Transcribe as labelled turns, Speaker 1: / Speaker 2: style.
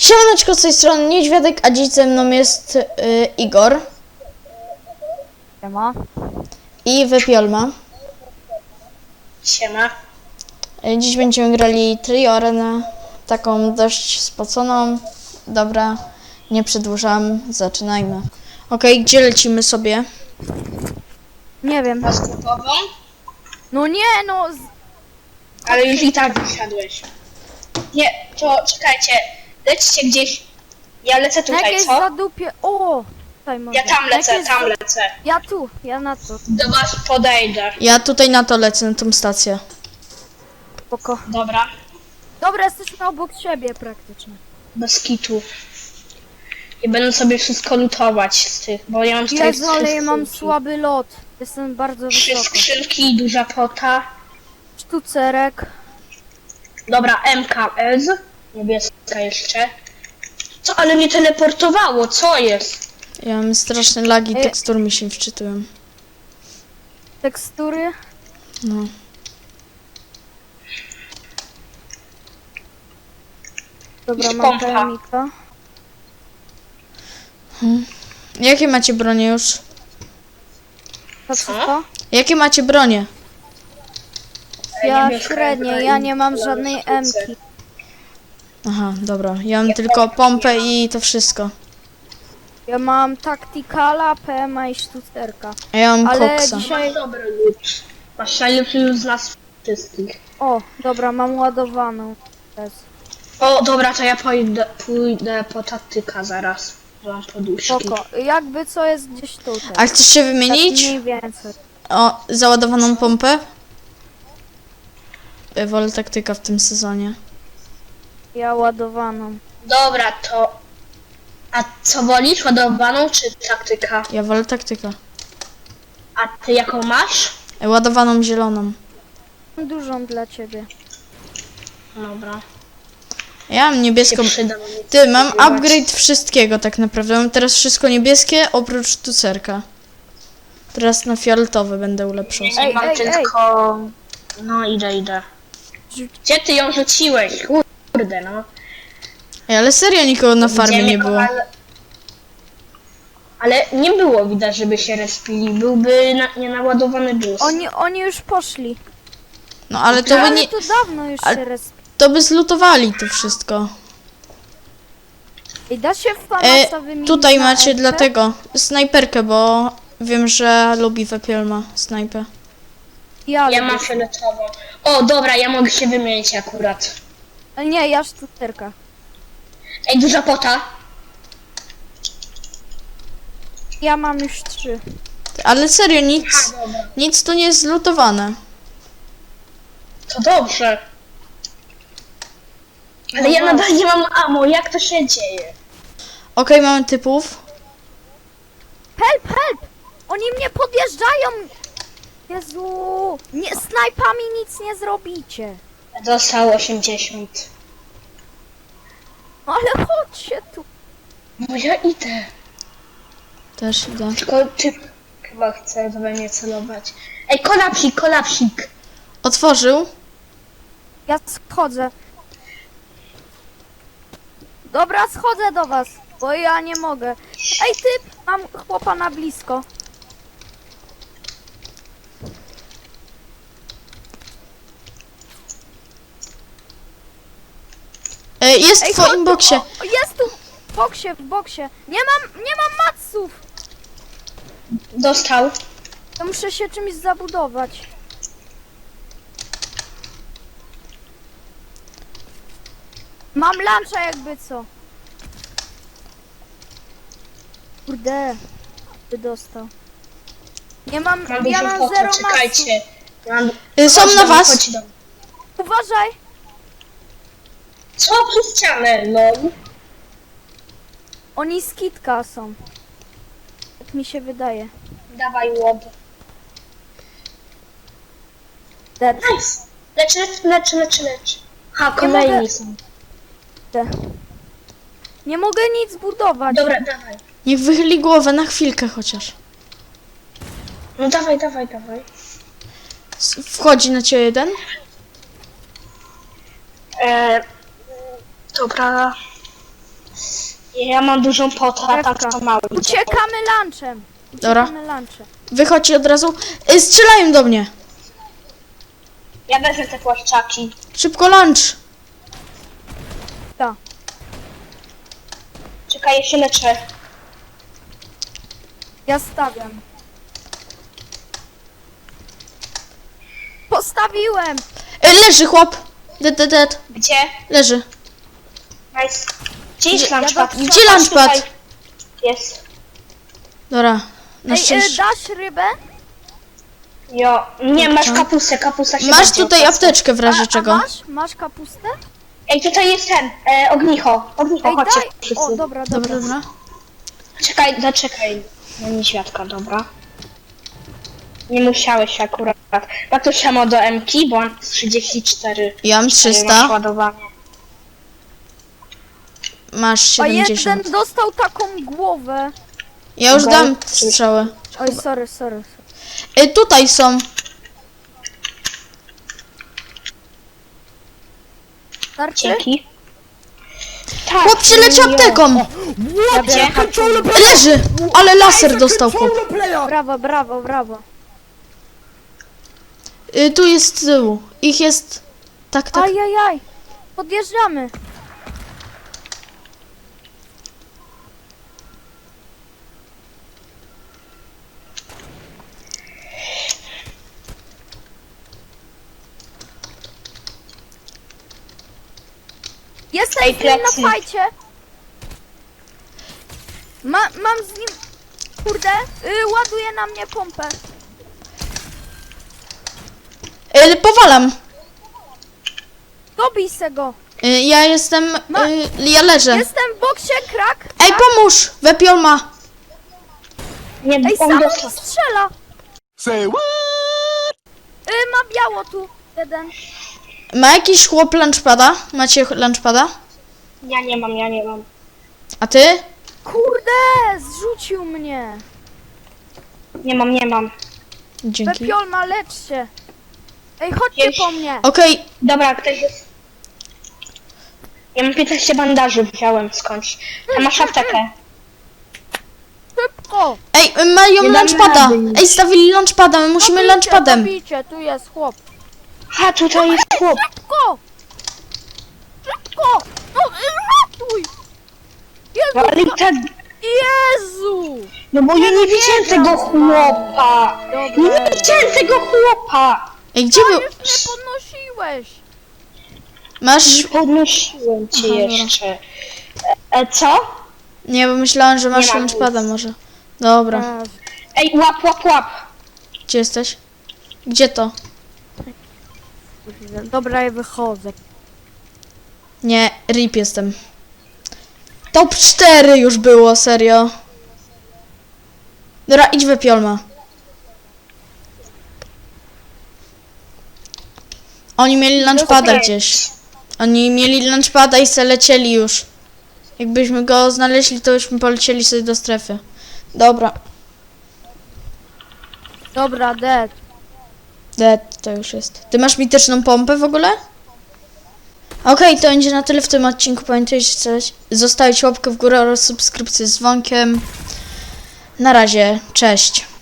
Speaker 1: Siemaneczko, z tej strony Niedźwiadek, a dziś ze mną jest Igor
Speaker 2: Siema.
Speaker 1: i Wypiolma.
Speaker 3: Siema.
Speaker 1: Dziś będziemy grali triorenę, taką dość spoconą. Dobra, nie przedłużam, zaczynajmy. Okej, gdzie lecimy sobie?
Speaker 2: Nie wiem.
Speaker 3: Na sklepową?
Speaker 2: No nie, no.
Speaker 3: Ale już i tak wysiadłeś. Nie, to czekajcie. Lećcie gdzieś. Ja lecę
Speaker 2: Na
Speaker 3: tutaj,
Speaker 2: jakieś
Speaker 3: co?
Speaker 2: zadupie. O! Tutaj mogę.
Speaker 3: Ja tam
Speaker 2: Na
Speaker 3: lecę,
Speaker 2: jakieś
Speaker 3: tam lecę.
Speaker 2: Ja tu, ja na to.
Speaker 3: Do was podejdę.
Speaker 1: Ja tutaj na to lecę, na tą stację.
Speaker 2: Spoko.
Speaker 3: Dobra.
Speaker 2: Dobra, jesteśmy obok siebie praktycznie.
Speaker 3: Bez kitu. I będę sobie wszystko lutować z tych, bo ja mam tutaj
Speaker 2: Jezu, ale ja mam
Speaker 3: skrzynki.
Speaker 2: słaby lot. Jestem bardzo
Speaker 3: 3
Speaker 2: wysoko.
Speaker 3: skrzynki, duża pota.
Speaker 2: Sztucerek.
Speaker 3: Dobra, MKS. Niebieska jeszcze. Co, ale mnie teleportowało, co jest?
Speaker 1: Ja mam straszne lagi,
Speaker 2: Ej.
Speaker 1: tekstur mi się wczytują.
Speaker 2: Tekstury.
Speaker 1: No.
Speaker 2: Dobra,
Speaker 3: I
Speaker 2: mam
Speaker 3: pompa.
Speaker 2: pojemnika.
Speaker 1: Jakie macie bronie już?
Speaker 2: To
Speaker 3: Co?
Speaker 2: wszystko?
Speaker 1: Jakie macie bronie?
Speaker 2: Ja
Speaker 3: Niebieska
Speaker 2: średnie,
Speaker 3: MK
Speaker 2: ja
Speaker 3: i
Speaker 2: nie mam
Speaker 3: kolor
Speaker 2: żadnej
Speaker 3: sztuce.
Speaker 2: M-ki.
Speaker 1: Aha, dobra, ja mam tylko pompę i to wszystko.
Speaker 2: Ja mam taktykala, PMA i sztucerka.
Speaker 1: A ja mam
Speaker 2: Ale
Speaker 1: koksa.
Speaker 2: dzisiaj...
Speaker 3: Masz dobry lód. Masz najlepszy lód z nas wszystkich.
Speaker 2: O, dobra, mam ładowaną. Jest.
Speaker 3: O, dobra, to ja pójdę po taktyka zaraz. Mam poduszki.
Speaker 2: Spoko. Jakby co jest gdzieś tutaj.
Speaker 1: A chcesz się
Speaker 2: Tak
Speaker 1: wymienić?
Speaker 2: mniej więcej.
Speaker 1: O, załadowaną pompę? Wolę taktyka w tym sezonie.
Speaker 2: Ja ładowaną.
Speaker 3: Dobra, to... A co wolisz, ładowaną czy taktyka?
Speaker 1: Ja wolę taktyka.
Speaker 3: A ty jaką masz?
Speaker 1: Ładowaną zieloną.
Speaker 2: Mam dużą dla ciebie.
Speaker 3: Dobra.
Speaker 1: Ja mam niebieską.
Speaker 3: Się przyda mi
Speaker 1: Ty, mam
Speaker 3: spróbować.
Speaker 1: upgrade wszystkiego tak naprawdę. Mam teraz wszystko niebieskie oprócz sztucerka. Teraz na fioletowy będę ulepszał.
Speaker 3: Nie
Speaker 2: Ej,
Speaker 3: mam
Speaker 2: ej,
Speaker 3: tylko... No idę. Gdzie ty ją rzuciłeś? Kurde, no.
Speaker 1: Ej, ale serio nikogo na farmie
Speaker 3: Widziałem
Speaker 1: nie
Speaker 3: jako-
Speaker 1: było.
Speaker 3: Ale nie było widać, żeby się respili. Byłby nienaładowany juice.
Speaker 2: Oni już poszli.
Speaker 1: No ale to by
Speaker 2: Ale
Speaker 1: nie.
Speaker 2: to dawno już
Speaker 1: Ale-
Speaker 2: się respi.
Speaker 1: To by zlutowali to wszystko.
Speaker 2: I da się w Famasa wymienić
Speaker 1: Tutaj
Speaker 2: na
Speaker 1: macie
Speaker 2: F-kę?
Speaker 1: dlatego snajperkę, bo wiem, że lubi Wepielma snajpę.
Speaker 2: Ja
Speaker 3: Ja
Speaker 2: lubię.
Speaker 3: mam fioletową. O, dobra, ja mogę się wymienić akurat.
Speaker 2: Nie, ja sztucerka.
Speaker 3: Ej, duża pota.
Speaker 2: Ja mam już 3.
Speaker 1: Ale serio, nic,
Speaker 3: A, dobra.
Speaker 1: nic tu nie jest zlutowane.
Speaker 3: To dobrze. Ale ja nadal nie mam ammo, jak to się dzieje?
Speaker 1: Okej, mamy typów.
Speaker 2: Help, help! Oni mnie podjeżdżają! Jezu! Nie, snajpami nic nie zrobicie.
Speaker 3: Zostało 80.
Speaker 2: No ale chodźcie tu.
Speaker 3: No ja idę.
Speaker 1: Też idę.
Speaker 3: Tylko ty chyba chce we mnie celować. Ej, kolapsik.
Speaker 1: Otworzył.
Speaker 2: Ja schodzę. Dobra, schodzę do was, bo ja nie mogę. Ej, typ! Mam chłopa na blisko.
Speaker 1: Jest
Speaker 2: Ej,
Speaker 1: w twoim boksie.
Speaker 2: O, jest tu! W boksie. Nie mam matsów!
Speaker 3: Dostał.
Speaker 2: To muszę się czymś zabudować. Mam luncha jakby co. Kurde. Ty dostał. Nie mam,
Speaker 3: Mam
Speaker 2: ja
Speaker 3: dużą
Speaker 2: mam
Speaker 3: potę,
Speaker 2: 0 matsów.
Speaker 3: czekajcie. Mam...
Speaker 1: Są
Speaker 3: Chodź
Speaker 1: na
Speaker 3: do mnie,
Speaker 1: was.
Speaker 3: chodź do mnie.
Speaker 2: Uważaj!
Speaker 3: Co przez ścianę, no?
Speaker 2: Oni z kitka są. Tak mi się wydaje.
Speaker 3: Dawaj łob.
Speaker 2: Dead.
Speaker 3: Nice. Lecz. Ha,
Speaker 2: mogę-
Speaker 3: kolejni są.
Speaker 2: Nie mogę nic budować.
Speaker 3: Dobra, dawaj.
Speaker 1: Niech wychyli głowę na chwilkę chociaż.
Speaker 3: No dawaj.
Speaker 1: Wchodzi na ciebie jeden.
Speaker 3: Dobra. Ja mam dużą potę, a tak
Speaker 2: Drewka.
Speaker 3: to mały.
Speaker 2: Uciekamy lunchem.
Speaker 1: Dobra.
Speaker 2: Uciekamy lunchem.
Speaker 1: Wychodźcie od razu. Strzelają do mnie.
Speaker 3: Ja wezmę te płaszczaki.
Speaker 1: Szybko lunch.
Speaker 2: Tak.
Speaker 3: Czekaj, ja się leczę.
Speaker 2: Ja stawiam. Postawiłem!
Speaker 1: Leży chłop. Dead.
Speaker 3: Gdzie?
Speaker 1: Leży.
Speaker 3: Nice. Gdzie jest
Speaker 1: Gdzie-
Speaker 3: lunchpad?
Speaker 1: Gdzie
Speaker 3: Patrz
Speaker 1: lunchpad?
Speaker 3: tutaj. Jest.
Speaker 1: Dobra. Na
Speaker 2: Ej,
Speaker 1: szczęście.
Speaker 2: dasz rybę?
Speaker 3: Jo. Nie, masz
Speaker 1: Co?
Speaker 3: kapustę, kapusta się
Speaker 1: Masz
Speaker 3: będzie
Speaker 1: tutaj
Speaker 3: opłaca.
Speaker 1: apteczkę w razie
Speaker 2: A
Speaker 1: czego.
Speaker 2: masz kapustę?
Speaker 3: Ej, tutaj jest ten, ognicho. Ognicho,
Speaker 2: Ej,
Speaker 3: chodźcie
Speaker 2: daj!
Speaker 3: wszyscy.
Speaker 2: O, dobra.
Speaker 1: Dobra.
Speaker 3: Czekaj, zaczekaj. No nie świadka, dobra. Nie musiałeś akurat. Tak to samo do MK, bo mam 34.
Speaker 1: Ja mam
Speaker 3: Masz
Speaker 1: 300.
Speaker 3: ładowanie.
Speaker 1: Masz
Speaker 2: A
Speaker 1: 70.
Speaker 2: jeden dostał taką głowę.
Speaker 1: Ja już
Speaker 3: Dobra.
Speaker 1: dam strzały.
Speaker 2: Oj, sorry.
Speaker 1: Tutaj są.
Speaker 2: Starczy?
Speaker 3: Dzięki. Tak.
Speaker 1: Chłop się leczy
Speaker 3: jo.
Speaker 1: apteką.
Speaker 2: Ja biorę harpunę.
Speaker 1: Leży. Ale laser dostał chłop.
Speaker 2: Brawo.
Speaker 1: Tu jest z tyłu. Ich jest... Tak.
Speaker 2: Ajajaj. Podjeżdżamy. Jestem
Speaker 3: Ej,
Speaker 2: z nim
Speaker 3: plecy.
Speaker 2: na fajcie. Mam z nim... Kurde, ładuje na mnie pompę.
Speaker 1: Powalam.
Speaker 2: Dobij se go.
Speaker 1: Ja jestem... Ja leżę.
Speaker 2: Jestem w boksie, krak.
Speaker 1: Ej, pomóż! Wepiol ma.
Speaker 3: Nie,
Speaker 2: Ej,
Speaker 3: on
Speaker 2: sam
Speaker 3: dostał.
Speaker 2: strzela.
Speaker 4: Say what?
Speaker 2: Ma biało tu. Jeden.
Speaker 1: Ma jakiś chłop lunchpada? Macie lunchpada?
Speaker 3: Ja nie mam.
Speaker 1: A ty?
Speaker 2: Kurde, zrzucił mnie.
Speaker 3: Nie mam.
Speaker 1: Dzięki.
Speaker 2: Pepiolma, lecz się. Ej, chodźcie
Speaker 3: Jeś.
Speaker 2: po mnie.
Speaker 1: Okej,
Speaker 3: Dobra, ktoś jest... Ja mam 15 bandaży, wziąłem skądś. A masz aptekę.
Speaker 2: Szybko.
Speaker 1: Ej, mają
Speaker 3: Nie damy
Speaker 1: lunchpada.
Speaker 3: rady już.
Speaker 1: Ej, stawili lunchpada, my musimy lunchpadem.
Speaker 2: Dobijcie, tu jest chłop.
Speaker 3: Ha, tutaj jest chłop.
Speaker 2: Szybko. No, ratuj.
Speaker 3: No, ale i tak...
Speaker 2: Jezu.
Speaker 3: No bo ja nie widziałem tego chłopa.
Speaker 2: Dobra.
Speaker 3: Nie widziałem tego chłopa.
Speaker 1: Ej, gdzie był?
Speaker 2: Już mnie podnosiłeś.
Speaker 1: Masz...
Speaker 3: Nie podnosiłem cię
Speaker 1: Aha, dobra.
Speaker 3: jeszcze. Co?
Speaker 1: Nie, bo myślałam, że masz
Speaker 3: Nie mam
Speaker 1: lunchpada
Speaker 3: nic.
Speaker 1: może. Dobra.
Speaker 3: Ej, łap.
Speaker 1: Gdzie jesteś? Gdzie to?
Speaker 2: Dobra, ja wychodzę.
Speaker 1: Nie, RIP jestem. Top 4 już było, serio. Dobra, idź Wepiolma. Oni mieli lunchpada
Speaker 3: Okej.
Speaker 1: gdzieś. Oni mieli lunchpada i se lecieli już. Jakbyśmy go znaleźli, to byśmy polecieli sobie do strefy. Dobra,
Speaker 2: Dobra, dead.
Speaker 1: dead to już jest. Ty masz mityczną pompę w ogóle? Okej, to będzie na tyle w tym odcinku. Pamiętajcie zostawić łapkę w górę oraz subskrypcję z dzwonkiem. Na razie, cześć.